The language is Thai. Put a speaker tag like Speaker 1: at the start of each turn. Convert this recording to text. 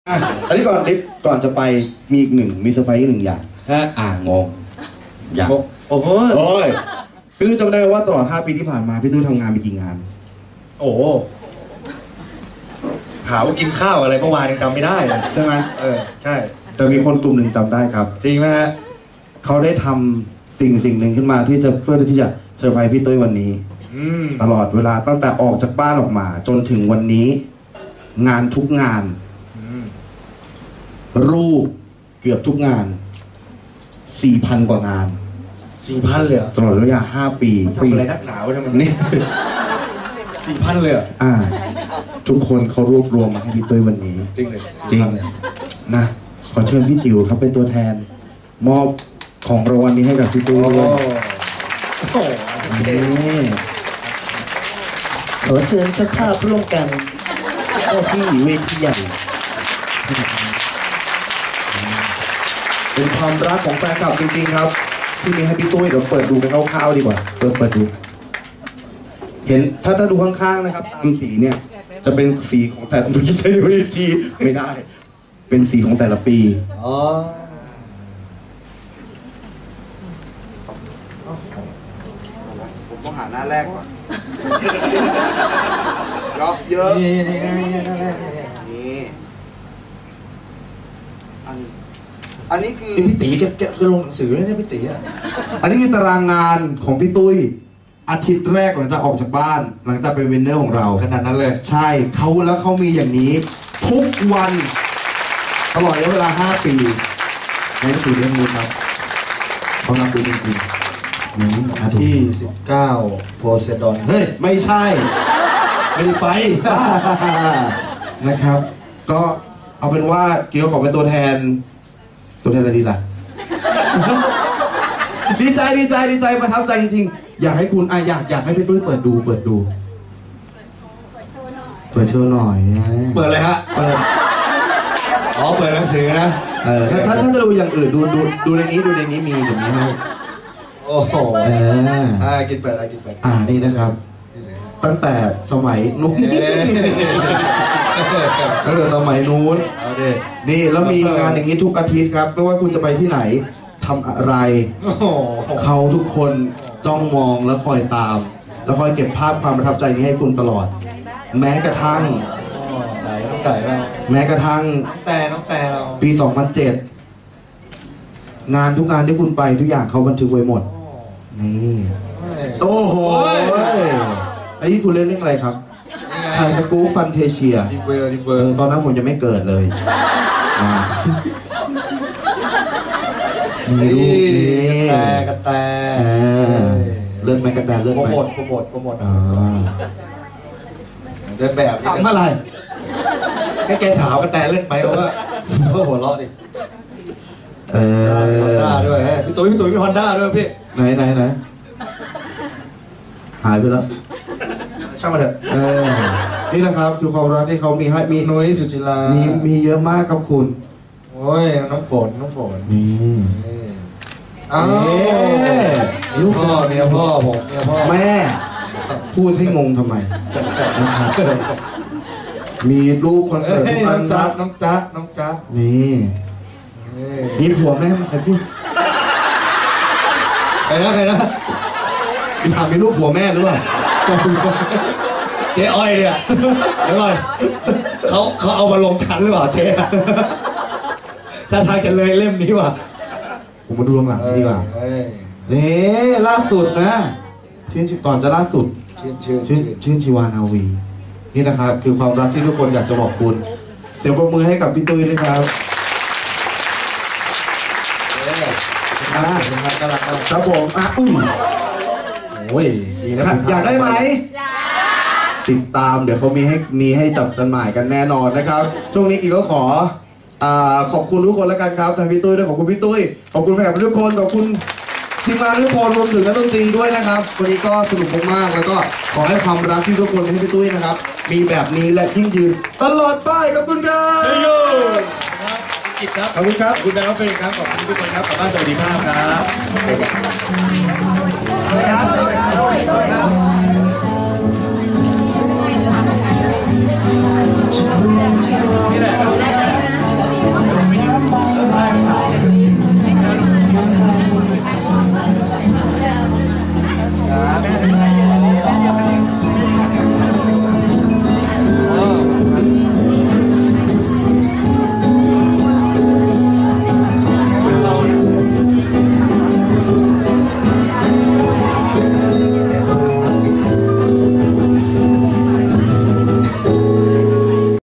Speaker 1: อันนี้ก่อนจะไปมีอีกหนึ่งมีเซอร์ไพรส์อีกหนึ่งอย่างงงอย่างโอ้โหพี่ตุ้ยจำได้ว่าตลอด5 ปีที่ผ่านมาพี่ตุ้ยทำงานไปกี่งาน
Speaker 2: โอ้หาว่ากินข้าวอะไรเมื่อวานยังจำไม่ได้
Speaker 1: ใช่ไหม
Speaker 2: ใช่
Speaker 1: แต่มีคนกลุ่มหนึ่งจำได้ครับ
Speaker 2: จริงไหมฮะ
Speaker 1: เขาได้ทำสิ่งหนึ่งขึ้นมาที่จะเพื่อที่จะเซอร์ไพรส์พี่ตุ้ยวันนี้ตลอดเวลาตั้งแต่ออกจากบ้านออกมาจนถึงวันนี้งานทุกงานรูปเกือบทุกงาน 4,000 กว่างาน
Speaker 2: 4,000 เลย
Speaker 1: ตลอดระยะ5 ปี
Speaker 2: ทำอะไรนักหนาวทำไมนี่ 4,000 เลย
Speaker 1: ทุกคนเขารวบรวมมาให้พี่ตุ้ยวันนี้
Speaker 2: จริงเลย
Speaker 1: จริงนะขอเชิญพี่จิ๋วครับเป็นตัวแทนมอบของรางวัลนี้ให้กับพี่ตุ้ยด้วยขอเชิญเจ้าภาพร่วมกันเข้าที่เวทีใหญ่เป็นความรักของแฟนคลับจริงๆครับที่มีให้พี่ตุ้ยเดี๋ยวเปิดดูกันคร่าวๆดีกว่าเปิดดูเห็นถ้าดูข้างๆนะครับตามสีเนี่ยจะเป็นสีของแต่ละปีใช่ไหมจีไม่ได้เป็นสีของแต่ละปีผมต้องหาหน้าแรกก่อนเยอะนี่อันนี้คือ
Speaker 2: พี่ตีแกลงหนังสือเลยเนี่ยพี่ตี
Speaker 1: อันนี้คือตารางงานของพี่ตุ้ยอาทิตย์แรกหลังจากออกจากบ้านหลังจากเป็นวินเนอร์ของเรา
Speaker 2: ขนาดนั้นเลย
Speaker 1: ใช่เขามีอย่างนี้ทุกวันตลอดระยะเวลา5 ปีในหนังสือเล่มนี้ครับเขานำดูจริง
Speaker 2: ๆที่19โพเซดอน
Speaker 1: เฮ้ยไม่ใช่
Speaker 2: ไม่ไป
Speaker 1: นะครับก็เอาเป็นว่าเกี่ยวขอเป็นตัวแทนอะไรดีล่ะ ดีใจประทับใจจริงๆอยากให้คุณอยากให้พี่ตุ้ยเปิดดูเปิดโชว์หน่อย
Speaker 2: เปิดเลยฮะเปิดหนังสือนะ
Speaker 1: ถ้าจะดูอย่างอื่นดูในนี้มีเดี๋ยวนี้ให้
Speaker 2: โอ้โหกินเปิด
Speaker 1: นี่นะครับตั้งแต่สมัยนู้นสมัยนู้นนี่แล้วมีงานอย่างนี้ทุกอาทิตย์ครับไม่ว่าคุณจะไปที่ไหนทำอะไรเขาทุกคนจ้องมองแล้วคอยตามแล้วคอยเก็บภาพความประทับใจนี้ให้คุณตลอดแม้กระทั่ง
Speaker 2: น้องไก่เรา
Speaker 1: แม้กระทั่ง
Speaker 2: น้องแต่เรา
Speaker 1: ปี 2007 งานทุกงานที่คุณไปทุกอย่างเขาบันทึกไว้หมดนี่โอ้โหไอ้ที่คุณเล่นเรื่องอะไรครับไทยสกู๊ปฟันเทเชีย
Speaker 2: ดิเวอร์
Speaker 1: ตอนนั้นผมยังไม่เกิดเลยมีรูปนี่
Speaker 2: กระแต
Speaker 1: เลื่อนไหมกระแตเลื่อนไหม
Speaker 2: โปรโมทเดินแบบ
Speaker 1: ทำอะไร
Speaker 2: ให้แกถามกระแตเล่นไหมเพราะว่าหัวเราะดิฮอนด้าด้วยพี่ตุ๋ยมีฮอนด้าด้วยพี่
Speaker 1: ไหนหายไปแล้ว
Speaker 2: ช่างมาเถอะ
Speaker 1: นี่นะครับคือความรักที่เขามีให้มี
Speaker 2: นุ้ยสุจิรา
Speaker 1: มีเยอะมากครับคุณ
Speaker 2: โอ้ยน้องฝน
Speaker 1: นี่
Speaker 2: ลูกพ่อเมียพ่อผมเมียพ่อ
Speaker 1: แม่พูดให้งงทำไมมีรูปคอนเสิร์ต
Speaker 2: น้องจ๊ะ
Speaker 1: นี่มีผัวแม่ใครพูด
Speaker 2: ใครนะ
Speaker 1: ถามมีรูปผัวแม่หรือเปล่า
Speaker 2: เจ๊อ้อยเนี่ยเดี๋ยวก่อนเขาเอามาลงทันหรือเปล่าเจ๊ถ้าทางกันเลยเล่มนี้ว่ะ
Speaker 1: ผมมาดูลงหลังดีกว่านี่ล่าสุดนะชื่นก่อนจะล่าสุดชื่นชีวานาวีนี่นะครับคือความรักที่ทุกคนอยากจะบอกคุณเสียงปรบมือให้กับพี่ตุ้ยด้วยครับครับผม
Speaker 2: โอ้ยดีนะ
Speaker 1: อยากได้ไหมติดตามเดี๋ยวเขามีให้จับจำหน่ายกันแน่นอนนะครับช่วงนี้อีกก็ขอบคุณทุกคนแล้วกันครับทางพี่ตุ้ยด้วยขอบคุณพี่ตุ้ยขอบคุณแฟนคลับทุกคนขอบคุณทีมงานทุกคนรวมถึงนักดนตรีด้วยนะครับวันนี้ก็สนุกมากๆแล้วก็ขอให้ความรักที่ทุกคนให้พี่ตุ้ยนะครับมีแบบนี้และยิ่งยืนตลอดไปขอบคุณครับขอบคุณครับ
Speaker 2: คุณแบงค์เป็นครับขอบคุณทุกคนครับขอบคุณสวัสดีภาพครับนี่แหละ